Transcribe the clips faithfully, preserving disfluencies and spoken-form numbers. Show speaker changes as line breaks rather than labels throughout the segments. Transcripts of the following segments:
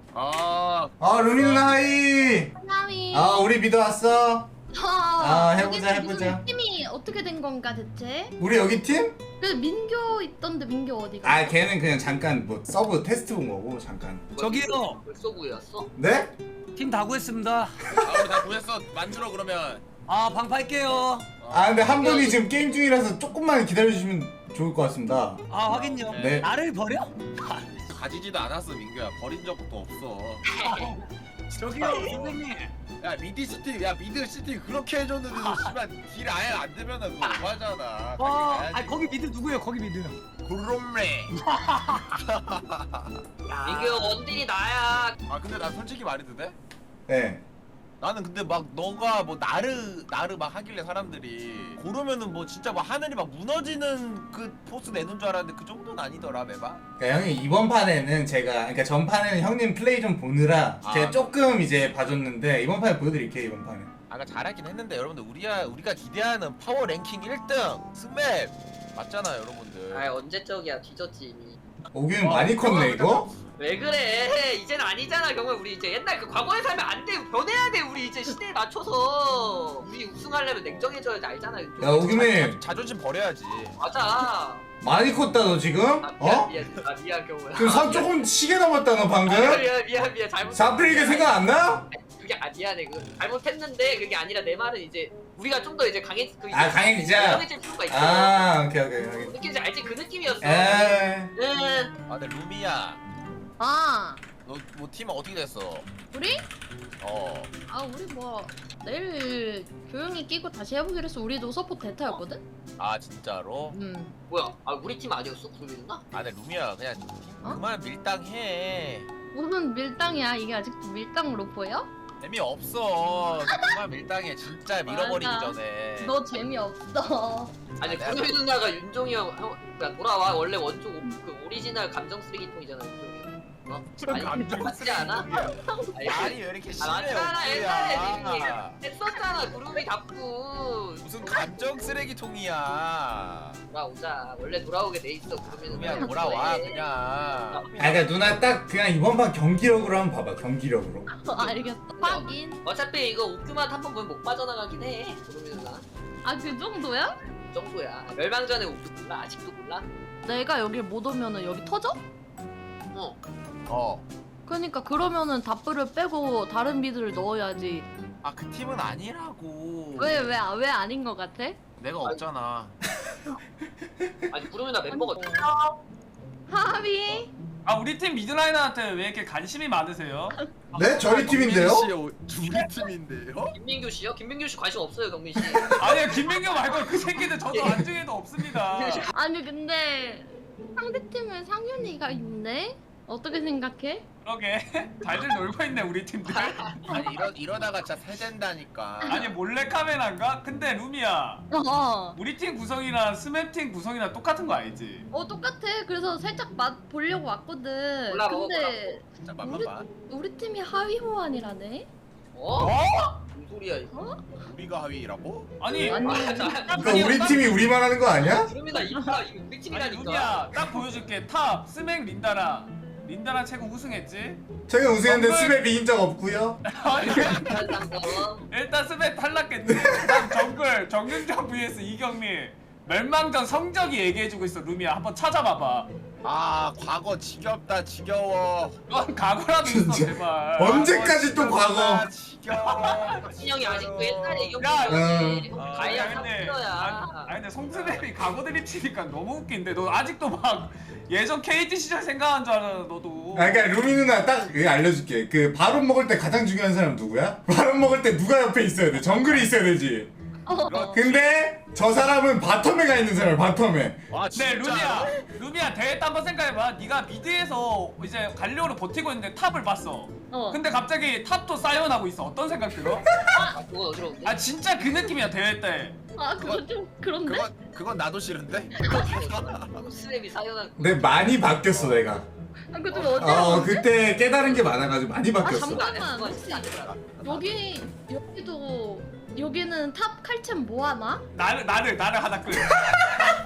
아,
아 루미 누나 하이.
사람이
아 우리 미드 왔어. 아, 해보자,
여기는
해보자.
무슨 팀이 어떻게 된 건가 대체?
우리 여기 팀?
그 민교 있던데 민교 어디가?
아 걔는 그냥 잠깐 뭐 서브 테스트 본 거고 잠깐.
저기요.
벌써 구였어?
네?
팀 다 구했습니다.
아 우리 다 구했어. 만들어 그러면.
아 방파할게요.
아 근데 한 분이 지금 게임 중이라서 조금만 기다려주시면 좋을 것 같습니다.
아 확인요.
네.
나를 버려?
가지지도 않았어 민규야. 버린 적도 없어.
저기요 선생님.
야 미드 시티, 야 미드 시티 그렇게 해줬는데도 씨발 딜 아예 안 되면은 그거 오바잖아.
와, 아 거기 미드 누구예요? 거기 미드.
구롬레.
민규 원딜이 나야.
아 근데 나 솔직히 말해도 돼?
네.
나는 근데 막 너가 뭐 나르 나르 막 하길래 사람들이 고르면은 뭐 진짜 뭐 하늘이 막 무너지는 그 포스 내는 줄 알았는데 그 정도는 아니더라 매바.
그러니까 형이 이번 판에는 제가 그러니까 전판에는 형님 플레이 좀 보느라
아.
제가 조금 이제 봐줬는데 이번 판에 보여드릴게요 이번 판에.
아까 잘하긴 했는데 여러분들 우리가 우리가 기대하는 파워 랭킹 일 등 스맵 맞잖아요 여러분들.
아 언제적이야 뒤졌지 이미.
오균
어,
많이 컸네
그거
이거.
왜 그래? 이젠 아니잖아 경호. 우리 이제 옛날 그 과거에 살면 안 돼. 변해야 돼. 우리 이제 시대에 맞춰서 우리 우승하려면 냉정해져야지 알잖아.
야 오균님
자존심 버려야지.
맞아.
많이 컸다 너 지금?
아, 미안
어?
미안 아 미안 경호야.
그 선 조금 시계 넘었다 너 방금?
아, 미안 미안 미안 잘못.
사프리게 생각 안 나?
그게 아 미안해. 그 잘못했는데 그게 아니라 내 말은 이제 우리가 좀 더 이제 강해 그
아, 강해지자.
강해질 필요가 있어.
아 오케이 오케이 오케이.
느낌인지 알지? 그 느낌이었어.
에이.
응.
아 근데 루미야
아
너 뭐 팀 어떻게 됐어?
우리?
어.
아 우리 뭐 내일 조용히 끼고 다시 해보기로 해서 우리도 서포 대타였거든?
아 진짜로?
음
뭐야? 아 우리 팀 아니었어? 구름이 누나?
아 근데 루미야 그냥
어?
그만 밀당해.
무슨 밀당이야 이게 아직도 밀당으로 보여?
재미없어. 그만 밀당해 진짜 밀어버리기
맞아.
전에.
너 재미없어.
아니
아, 내가
구름이 누나가 윤종이 형, 형 그러니까 돌아와. 원래 원조 오- 그 오리지널 감정 쓰레기통이잖아 윤종이 형. 어? 아니
감정
맞지 않아?
쓰레기통이야.
아니,
아니 왜 이렇게
아,
심해
맞잖아 옛날에
옥구야.
님이 했었잖아 구름이 답고.
무슨 감정 쓰레기통이야.
돌아오자. 원래 돌아오게 돼 있어 구름이 누나.
루미야 돌아와 그냥.
아 그러니까 누나 딱 그냥 이번 판 경기력으로 한번 봐봐 경기력으로.
어, 알겠어. 확인.
어차피 이거 옥규만 한 번 보면 못 빠져나가긴 해 구름이 누나.
아 그 정도야?
그 정도야. 멸망전에 옥규 몰라? 아직도 몰라?
내가 여길 못 오면은 여기 터져?
어.
어.
그러니까 그러면은 다프를 빼고 다른 미드를 넣어야지.
아 그 팀은 아니라고.
왜 왜 왜 아닌 것 같아?
내가 없잖아.
아니 구름이 누나 멤버가
하비.
아 우리 팀 미드라이너한테 왜 이렇게 관심이 많으세요?
네 저희 팀인데요?
우리 팀인데요?
김민규 씨요? 김민규 씨 관심 없어요 경민 씨.
아니요 김민규 말고 그 새끼들 저도 안중에도 없습니다.
아니 근데 상대 팀에 상윤이가 있네. 어떻게 생각해?
그러게 잘들 놀고 있네 우리 팀들.
아니 이러 이러다가 진짜 세된다니까.
아니 몰래 카메라인가? 근데 루미야
어.
우리 팀 구성이랑 스맵 팀 구성이랑 똑같은 거 알지?
어 똑같아. 그래서 살짝 맛 보려고 왔거든.
몰라, 먹어,
근데
진짜 맘만
우리
봐.
우리 팀이 하위 호환이라네.
어?
어?
무슨 소리야 이거?
우리가 하위라고?
아니
아니.
아, 나
그러니까 우리 팀이 우리만 하는 거 아니야?
구름이 나 이거 이거 우리
아니
팀이라니까.
루미야 딱 보여줄게. 탑 스맥 린다랑 린다랑 최고 우승했지?
최근 우승했는데
정글-
스맵 이긴 적 없고요.
아니
어?
일단 스맥 탈락했지. 그다음 정글 정윤정 vs 이경민 멸망전 성적이 얘기해주고 있어. 루미야 한번 찾아봐봐.
아 과거 지겹다 지겨워.
넌 각오라도 있어
진짜.
제발.
언제까지 또 과거?
아, 지겨워.
신영이 아직도 옛날에 이겼
야,
거지.
아,
가야
아니, 근데
삼킬러야.
아니, 아니 근데 송스맵이 각오 드립 치니까 너무 웃긴데 너 아직도 막 예전 케이티 시절 생각한 줄 알아 너도.
아 그러니까 루미 누나 딱 이거 알려줄게. 그 바론 먹을 때 가장 중요한 사람 누구야? 바론 먹을 때 누가 옆에 있어야 돼? 정글이 있어야 되지.
어.
근데 저 사람은 바텀에 가 있는 사람 바텀에.
아
네
진짜.
루미야 루미야 대회 때 한번 생각해봐. 네가 미드에서 이제 갈리오를 버티고 있는데 탑을 봤어.
어.
근데 갑자기 탑도 사이언하고 있어. 어떤 생각 들어?
아 그건 어지러운데.
아 진짜 그 느낌이야 대회 때.
아 그거 좀 그런데.
그건 그건 나도 싫은데.
스랩이 사연한.
근데 많이 바뀌었어 내가.
아 그거 좀
어
어지러운데.
그때 깨달은 게 많아가지고 많이 바뀌었어.
잠깐.
안 했어. 진짜 안 했어.
여기 여기도 여기는 탑 칼챔 뭐 하나?
나를 나를 나를 하나 끌.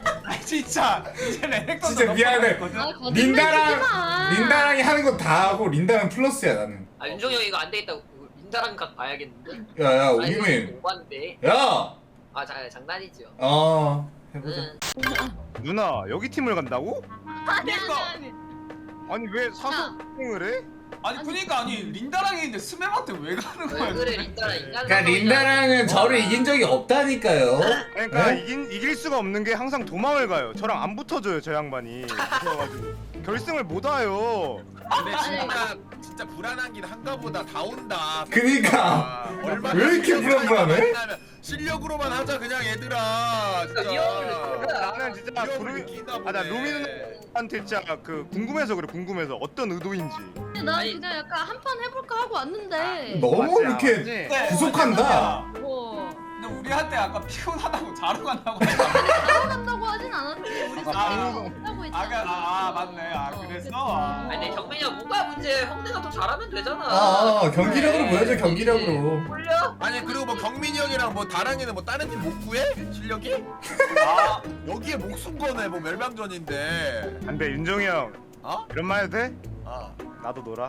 진짜 이제 레넥톤
진짜 미안해.
아, 거짓말 치지
린다랑
마.
린다랑이 하는 거 다 하고 린다랑 플러스야 나는.
아 윤종이 형 이거 안 되겠다. 민다랑 각 봐야겠는데.
야야
아니,
우기민.
오반데.
야.
아 자, 장난이죠.
어 해보자.
응.
누나 여기 팀을 간다고?
아니 아니 아니.
아니 왜 사소행을 해?
아니 그니까 아니 린다랑 했는데 스맵한테 왜 가는 거야?
왜 그래 린다랑 인간.
그러니까 린다랑은 저를 이긴 적이 없다니까요.
그러니까
네?
이긴, 이길 수가 없는 게 항상 도망을 가요. 저랑 안 붙어줘요 저 양반이. 그래가지고 결승을 못 와요.
근데 진짜 진짜 불안하긴 한가 보다. 다 온다.
그니까.
아, 얼마나
왜 이렇게
실력으로
불안불안해?
만나면 실력으로만 하자 그냥 얘들아. 진짜.
위험을
나는 진짜
위험을
구름이
느끼나
아나
보네.
루미누나한테 진짜 그 궁금해서 그래 궁금해서 어떤 의도인지.
나
아니.
그냥 약간 한 판 해볼까 하고 왔는데.
너무
맞지,
이렇게
맞지?
네,
구속한다.
뭐
근데 우리한테 아까 피곤하다고 자러 간다고.
따라간다고 하진 않았지. 우리
아,
싸우고 없다고 했잖아.
아, 그- 아, 아, 맞네. 아,
어,
그랬어?
그치.
아.
아니 근데 경민이 형 뭐가 문제? 형네가 더 잘하면 되잖아.
아, 아 경기력으로
네.
보여줘 경기력으로.
홀려?
아니 그리고 뭐 경민이 형이랑 뭐 다랑이는 뭐 다른 팀 못 구해? 실력이?
아,
여기에 목숨 거네 뭐 멸망전인데.
안돼 윤종이 형
어?
이런 말 해도 돼?
아.
나도 놀아.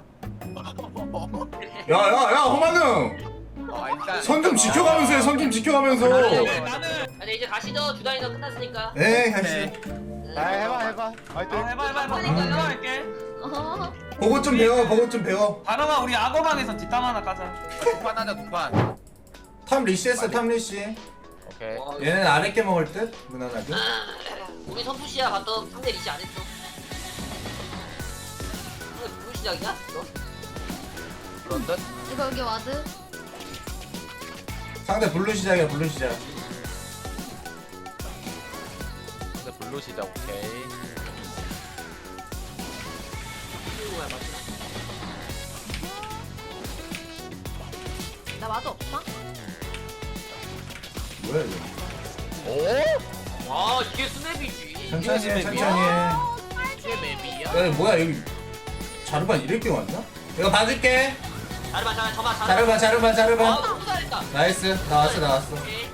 야야야 호만웅.
어, 일단
선 좀 지켜가면서 해. 선 좀 지켜가면서.
나는, 나는.
아니 이제 가시죠. 주단이가 끝났으니까.
네 가시.
아 해봐 해봐. 화이팅.
어, 해봐, 해봐, 해봐.
그러니까.
내가 할게.
어.
보고 좀 배워. 보고 좀 배워.
다롱아, 우리 악어방에서 뒷담 하나 까자.
두판 하자 두판.
탑 리시했어 탑 리시.
오케이.
와,
얘는 아랫게 먹을 듯 무난하게.
우리 선푸시야 봤던 상대 리시 안 했어. 이거 누구 시작이야? 너?
그런 듯.
이거 여기 와드.
상대 블루 시작이야 블루 시작.
근데 블루 시작 오케이.
누구야 맞나?
나 와드 없어?
뭐야 이거?
오?
아 이게 스냅이지.
천천히 해
이게
천천히 해.
이게 맵이야?
야 뭐야 여기 자르반 이렇게 왔나? 이거 봐줄게.
잘해봐 잘해 저만 잘해.
자르반 자르반
아
자르반.
너무 잘했다.
나이스 나왔어 나왔어.
오케이.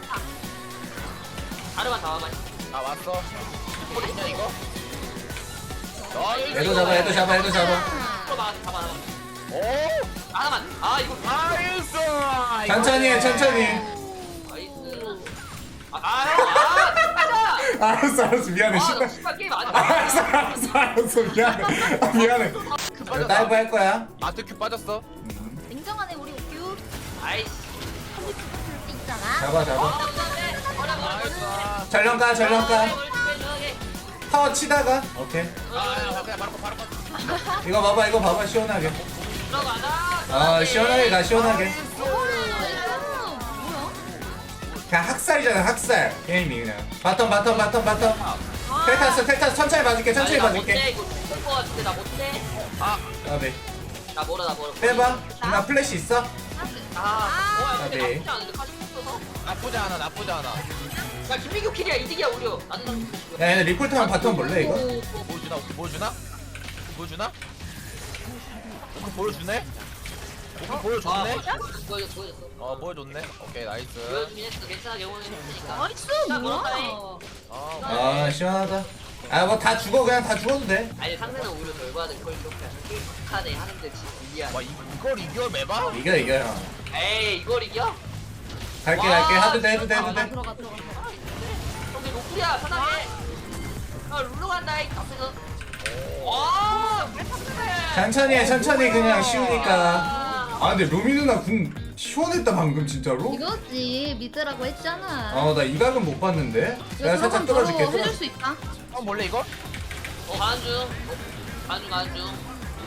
잘해봐 잡아봐.
아 왔어. 이거 있냐 이거? 나이스.
얘도 잡아 얘도 잡아 얘도 잡아.
잡아 잡아.
오?
하나만. 아 이거
나이스.
천천히 해 천천히.
나이스. 아아 형. 아 가자.
알았어 알았어 미안해
아,
신나.
너 씨발 게임 안 해.
알았어 알았어 알았어 미안해 아, 미안해. 이거 다이브 할 거야.
아트큐 빠졌어.
냉정하네 우리 옥규.
아이씨.
있잖아.
잡아
아,
잡아.
나이스.
전령가 전령가.
아,
타워 치다가 오케이.
아 그냥 바로 바로 바로.
이거 봐봐 이거 봐봐 시원하게.
들어가자.
아 시원하게 가 시원하게.
뭐야?
그냥 학살이잖아 학살 게임이 그냥. 바텀 바텀 바텀 바텀. 텔 탔어 텔 탔어 천천히 봐줄게 천천히 봐줄게.
이거 못될거 같은데 나 못돼.
아네
나 멀어 나 멀어.
빼봐. 나 플래시 있어?
아, 뭐야 근데
네.
나쁘지 않은데 카시 없어서.
나쁘지 않아 나쁘지 않아.
야 김민규 킬이야 이득이야 우려. 나도 좀.
야 얘네 리폴트만 바텀 볼래 이거?
보여주나? 오케이 보여주나? 보여주나? 오케이 보여주네? 오케이
아
보여줬네?
보여줬어 보여줬어.
어 보여줬네? 오케이 나이스.
보여주긴 했어. 괜찮아 경호는 했으니까.
나이스
자,
뭐야?
그렇다네.
아
아 시원하다. 아 뭐 다 죽어 그냥 다 죽어도 돼.
아니 상대는 오히려 덜 받은 걸 이렇게 게임 카네 하는데 지금 이해하네.
와 이- 이걸 이겨 매봐?
이겨 이겨 형.
에이 이걸 이겨?
갈게 갈게 해도 돼 해도 돼 해도
아, 나
돼.
들어가 들어가. 들어가.
근데 노플이야 편하게. 야 룰루 간다 이 앞에서. 와 괜찮네.
천천히 해 천천히 그냥 쉬우니까. 아 근데 루미 누나 궁 시원했다 방금 진짜로?
이거지 미드라고 했잖아.
어 나 이 각은 못 봤는데.
이거
내가 살짝
들어가면
뚫어줄게
바로 해줄
뚫어.
수 있다.
형 몰래 이거?
어 가는 중. 가는 중 가는 중.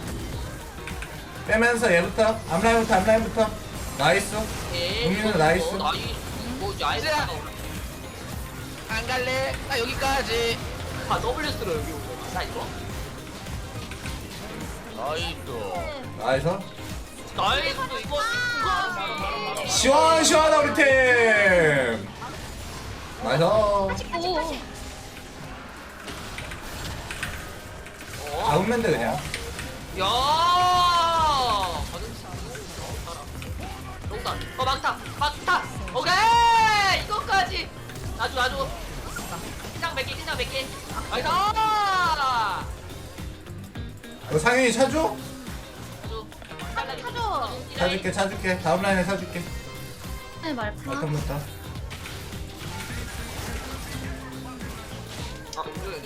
빼면서 얘부터 앞라인부터 앞라인부터. 나이스.
오케이.
국민은
이거
나이스.
뭐, 나이 뭐 나이스.
안 갈래? 나 여기까지.
아 W 쓰러 여기 오고. 나 이거.
나이스.
나이스.
나이스 이거 이거.
시원 시원하다 우리 팀. 나이스.
오.
어?
가운면 돼 그냥.
야. 농단. 어 막타 막타. 오케이 이거까지. 놔줘 놔줘. 자, 킬장 몇 개, 킬장 몇 개. 나이스.
너 상윤이 차줘?
사줘.
사줄게 사줄게 다음 라인에 사줄게.
네 말파.
잠깐부터.
아, 이거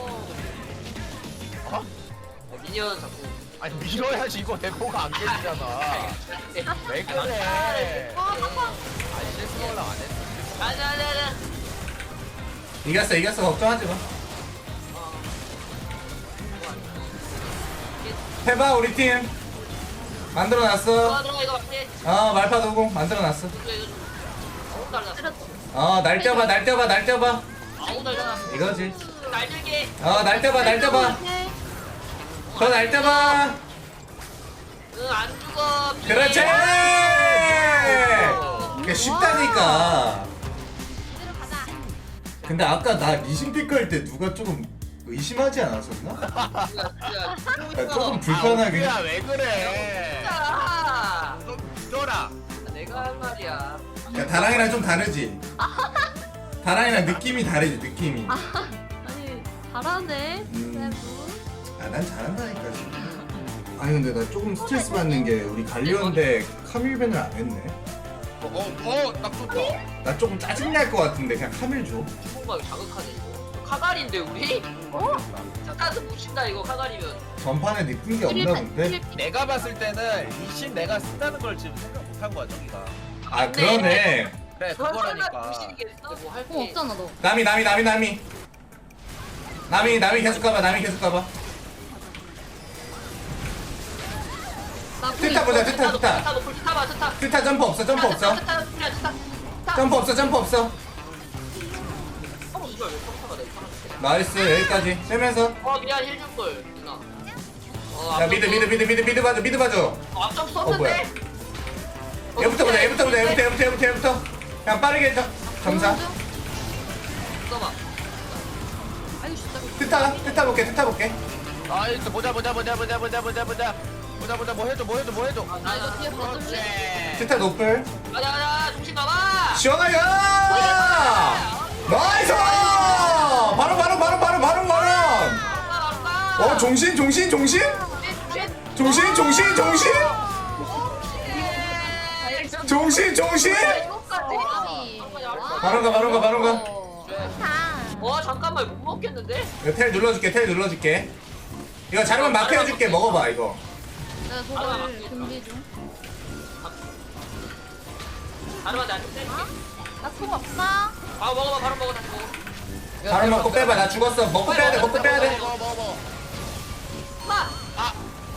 어?
미니언 자꾸.
아니 밀어야지 이거 대포가 안 깨지잖아. 왜 그래? 아니 실수 올라 안 했어.
가자, 가자, 가자.
이겼어 이겼어 걱정하지 마. 해봐 우리 팀. 만들어놨어.
들어가, 들어가, 이거 맞지?
어 말파 도공 만들어놨어.
이거, 이거 좀. 아우, 달라.
어날 떼봐 날 떼봐 날 떼봐.
아우, 달라.
이거지.
날들게.
어날 떼봐 날 떼봐. 더 날 떼봐.
응, 안 죽어.
그렇지. 이게 쉽다니까. 근데 아까 나 리신픽 할 때 누가 조금 의심하지 않았었나? 야, 조금 불편하게.
야 왜 그래?
아,
좀 믿어라.
내가 할 말이야.
야, 다랑이랑 좀 다르지? 다랑이랑 느낌이 다르지 느낌이.
아니 잘하네.
음.
세부.
아 난 잘한다니까 지금. 아니 근데 나 조금 스트레스 받는 게 우리 갈리오인데 카밀벤을 안 했네.
어어딱 좋다.
나 조금 짜증날 것 같은데 그냥 카밀 줘.
뭔가 자극하네 이거. 카갈인데 우리? 어? 스타트 묻힌다 이거 카갈이면.
전판에 니쁜 게 없나 본데?
내가 봤을 때는 리신 내가 쓴다는 걸 지금 생각 못한 거야 저기가.
아 그러네.
그래
설마
그거라니까.
무신이겠어? 뭐할
어 없잖아 너.
남이 남이 남이 남이. 남이 남이 계속 가봐 남이 계속 가봐.
나
트타 보자 트타 트타.
트타 높을 트타 봐 트타.
트타 점프 없어 점프 없어.
트타 트타 트타 트타.
점프 없어 점프 없어.
어 이걸 왜 평타가 내 사람.
나이스 여기까지 세면서.
어 미안 힐 줄 걸. 누나. 어,
야 미드 미드 미드 미드 미드 봐줘 미드 봐줘.
어, 앞점
어, 뭐야.
썼는데.
얘부터 보자 얘부터 보자 얘부터 얘부터 얘부터 얘부터. 그냥 빠르게 해줘. 점사.
써봐.
아유 진짜.
트타 트타 볼게 트타 볼게.
아이 또 보자 보자 보자 보자 보자 보자 보자 보자 보자 뭐 해줘 뭐 해줘 뭐 해줘.
나 이거 뒤에 봐줄래?
그렇지.
트타 노플.
가자 가자 중심 가봐.
시원하게. 나이스. 바로 바로 바로 바로 바로 바로. 어 종신 종신 종신. 종신 종신 종신. 종신 종신. 바로 가 바로 가 바로 가.
와 잠깐만 못 먹겠는데?
이거 텔 눌러줄게 텔 눌러줄게. 이거 자르면 마크 해줄게 먹어봐 이거.
내가 그걸 준비 중.
바로 나좀 뗄게.
나통 없어.
아 먹어봐 바로 먹어 다시 먹어.
바로 먹고 빼봐 나 죽었어 먹고 빼야 돼 먹고 빼야 돼.
먹어 먹어 먹어.
마.
아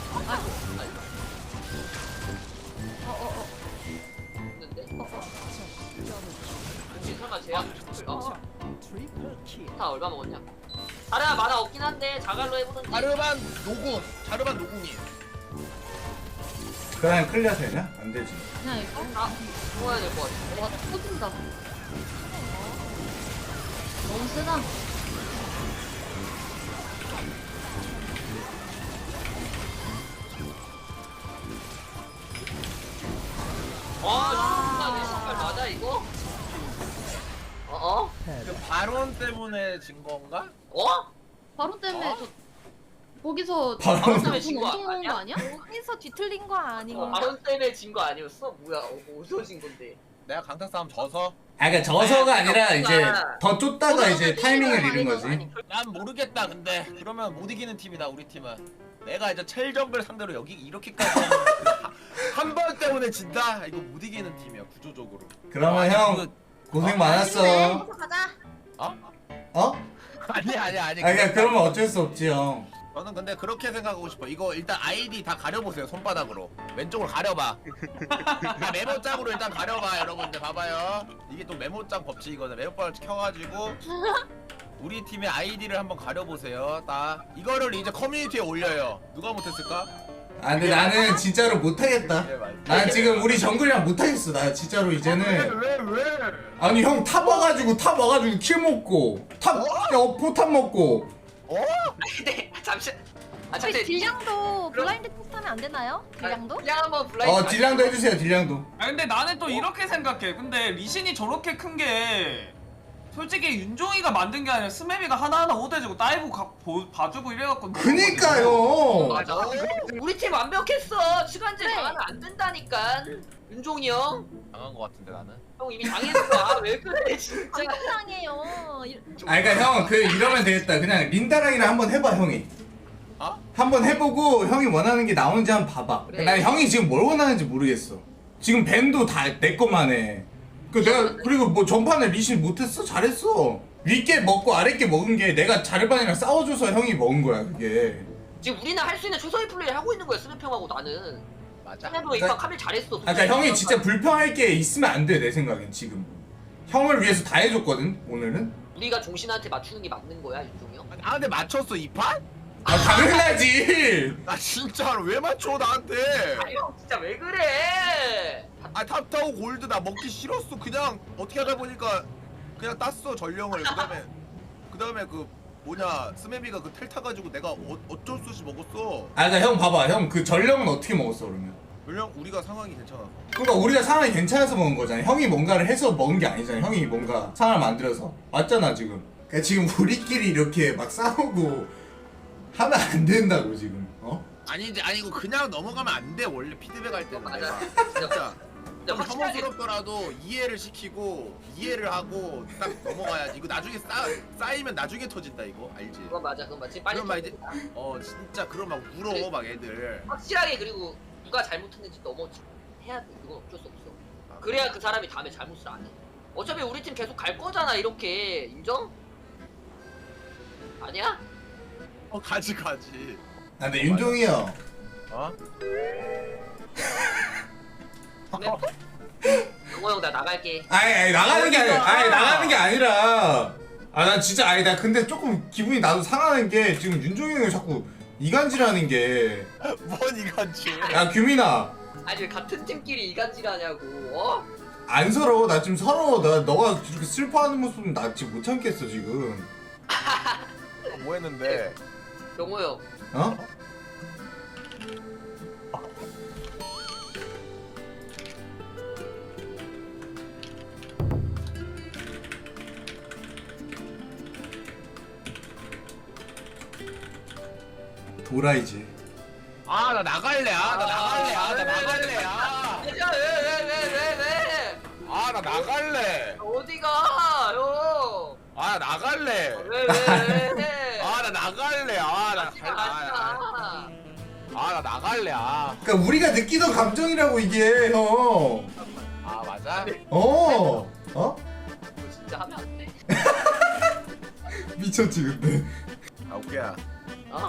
어어어.
있는데? 혹시 설마 제야? 어. 다 얼마 먹었냐? 자르야 만화 없긴 한데 자갈로 해보는지.
자르반 노궁 자르반 노궁이.
그냥 클리어 되냐? 안 되지.
그냥 이거.
아 먹어야 될 것 같아.
와 터진다. 너무 세다.
와 진짜 내 신발 맞아 이거? 어? 어?
그 발언 때문에 진 건가?
어?
바로 때문에 저 거기서
바로
돈
때문에 진
엄청
거
먹은 거 아니야?
여기서 뒤틀린 거 아니고
어 바론 때문에 진 거 아니었어? 뭐야 어, 어디서 진 건데?
내가 강타 싸움 져서?
아 그러니까 져서가 아니라
아니,
이제
없구나.
더 쫓다가 이제 타이밍을 잃은 거지.
난 모르겠다 근데 그러면 못 이기는 팀이다 우리 팀은. 내가 이제 첼정글 상대로 여기 이렇게까지 한 번 때문에 진다? 이거 못 이기는 팀이야 구조적으로.
그러면
아니,
형
그거-
고생 많았어.
가자.
어?
어?
아니 아니 아니.
아 그러니까 그러면 어쩔 수 없지 형.
저는 근데 그렇게 생각하고 싶어. 이거 일단 아이디 다 가려보세요 손바닥으로. 왼쪽으로 가려봐. 다 메모장으로 일단 가려봐 여러분들 봐봐요. 이게 또 메모장 법칙이거든. 메모장을 켜가지고 우리 팀의 아이디를 한번 가려보세요. 딱 이거를 이제 커뮤니티에 올려요. 누가 못했을까?
아 근데 나는 진짜로 못하겠다. 난 지금 우리 정글이랑 못하겠어. 나 진짜로 이제는.
왜 왜?
아니 형 탑 와가지고 탑 와가지고 킬 먹고 탑 어? 포탑 먹고.
어?
근데 잠시 아
저희
잠시
딜량도 블라인드 테스트하면 안 되나요? 딜량도?
그냥 한번 블라인드
어 딜량도 해주세요 딜량도.
아 근데 나는 또 이렇게 생각해. 근데 리신이 저렇게 큰 게 솔직히 윤종이가 만든 게 아니라 스매비가 하나하나 오대주고 다이브 가, 보, 봐주고 이래갖고
그니까요.
맞아. 우리 팀 완벽했어. 시간제
네.
당하면 안 된다니까. 윤종이 형.
당한 거 같은데 나는.
형 이미 당했어. 아, 왜 그래 진짜.
방송상이에요.
아 그러니까 형 그 이러면 되겠다. 그냥 린다랑이랑 한번 해봐 형이.
어?
한번 해보고 형이 원하는 게 나오는지 한번 봐봐.
그래.
난 형이 지금 뭘 원하는지 모르겠어. 지금 밴도 다 내 것만 해. 그 내가 그리고 뭐 전판에 리신 못했어? 잘했어. 윗게 먹고 아랫게 먹은 게 내가 자르반이랑 싸워줘서 형이 먹은 거야 그게.
지금 우리는 할 수 있는 최선의 플레이를 하고 있는 거야 스맵 형하고 나는.
맞아.
스맵으로 입학 카밀 잘했어.
아까 그러니까 형이 진짜 불평할 게 있으면 안 돼 내 생각엔 지금. 형을 위해서 다 해줬거든 오늘은.
우리가 종신한테 맞추는 게 맞는 거야 윤종이 형.
아 근데 맞췄어 이 판?
아 당연하지.
나 진짜로 왜 맞춰 나한테?
아니 형 진짜 왜 그래?
아 탑 타고 골드 나 먹기 싫었어. 그냥 어떻게 하다 보니까 그냥 땄어 전령을. 그다음에 그다음에 그 뭐냐 스매비가 그 텔 타가지고 내가 어, 어쩔 수 없이 먹었어.
아 그러니까 형 봐봐 형 그 전령은 어떻게 먹었어 그러면?
전령 우리가 상황이 괜찮아서.
그러니까 우리가 상황이 괜찮아서 먹은 거잖아. 형이 뭔가를 해서 먹은 게 아니잖아. 형이 뭔가 상황을 만들어서 맞잖아 지금. 그러니까 지금 우리끼리 이렇게 막 싸우고 하면 안 된다고 지금. 어?
아니지 아니고 그냥 넘어가면 안 돼. 원래 피드백 할 때는
맞아.
내가 진짜 좀
확실하게
혐오스럽더라도 이해를 시키고 이해를 하고 딱 넘어가야지. 이거 나중에 쌓 쌓이면 나중에 터진다 이거 알지?
그건 맞아 그건 맞지. 빨리
그럼 막 이제
쳐야 된다.
어 진짜 그런 막 울어 막 애들.
확실하게 그리고 누가 잘못했는지 넘어 해야 돼. 그건 어쩔 수 없어. 그래야 그 사람이 다음에 잘못을 안 해. 어차피 우리 팀 계속 갈 거잖아 이렇게. 인정? 아니야?
어 가지 가지.
아 근데 윤종이 형.
어?
영호 형 나 나갈게.
아니 아니 나가는 게 아니라 아니 나가는 게 아니라 아 난 진짜 아니 나 근데 조금 기분이 나도 상하는 게 지금 윤종이 형이 자꾸 이간질하는 게.
뭔 이건지.
야 규민아
아니 왜 같은 팀끼리 이간질하냐고. 어?
안 서러워. 나 지금 서러워. 나 너가 이렇게 슬퍼하는 모습은 나 지금 못 참겠어 지금.
뭐 했는데?
영호 형.
어? 도라이지.
아 나 나갈래. 아 나 나갈래. 아 나 나갈래. 아.
왜왜왜왜 왜, 왜?
아 나 나갈래.
어디가 형?
아 나 나갈래.
왜 왜 왜?
아 나 나갈래. 아나
하지마 하지마.
아 나 나갈래. 아.
그러니까 우리가 느끼던 감정이라고 이게 형.
아 맞아?
어. 어?
이거 진짜 하면 안 돼.
미쳤지 근데.
아 오케이야.
어?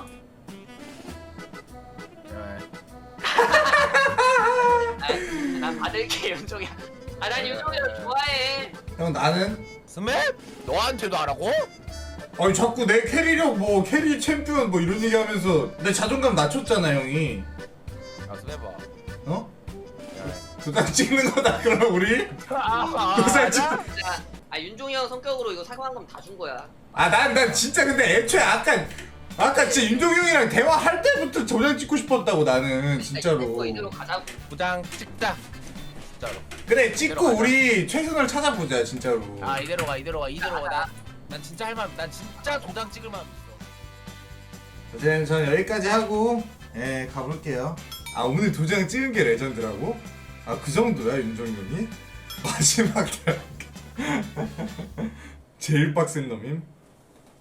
아, 난 받을게 윤종이야. 아난 윤종이를 좋아해.
형 나는
스맵? 너한테도 하라고?
아니 자꾸 내 캐리력 뭐 캐리 챔피언 뭐 이런 얘기하면서 내 자존감 낮췄잖아 형이.
아 스맵 봐.
어? 도장 찍는 거다 그럼 우리? 도장 찍.
야, 아 윤종이 형 성격으로 이거 사과한 거면 다 준 거야.
아난 난 진짜 근데 애초에 아까 아까 진짜 윤종이 형이랑 대화할 때부터 도장 찍고 싶었다고 나는 진짜로.
이대로 가자고.
도장 찍자. 진짜로.
그래 찍고
이대로 가자.
우리 최선을 찾아보자 진짜로.
아 이대로 가 이대로 가 이대로 가. 나, 난 진짜 할 만, 난 진짜 도장 찍을 마음 있어.
어쨌든 전 여기까지 하고 예 가볼게요. 아 오늘 도장 찍은 게 레전드라고? 아 그 정도야 윤종이 형이? 마지막 날 제일 빡센 놈임?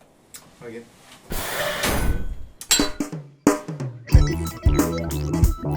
확인.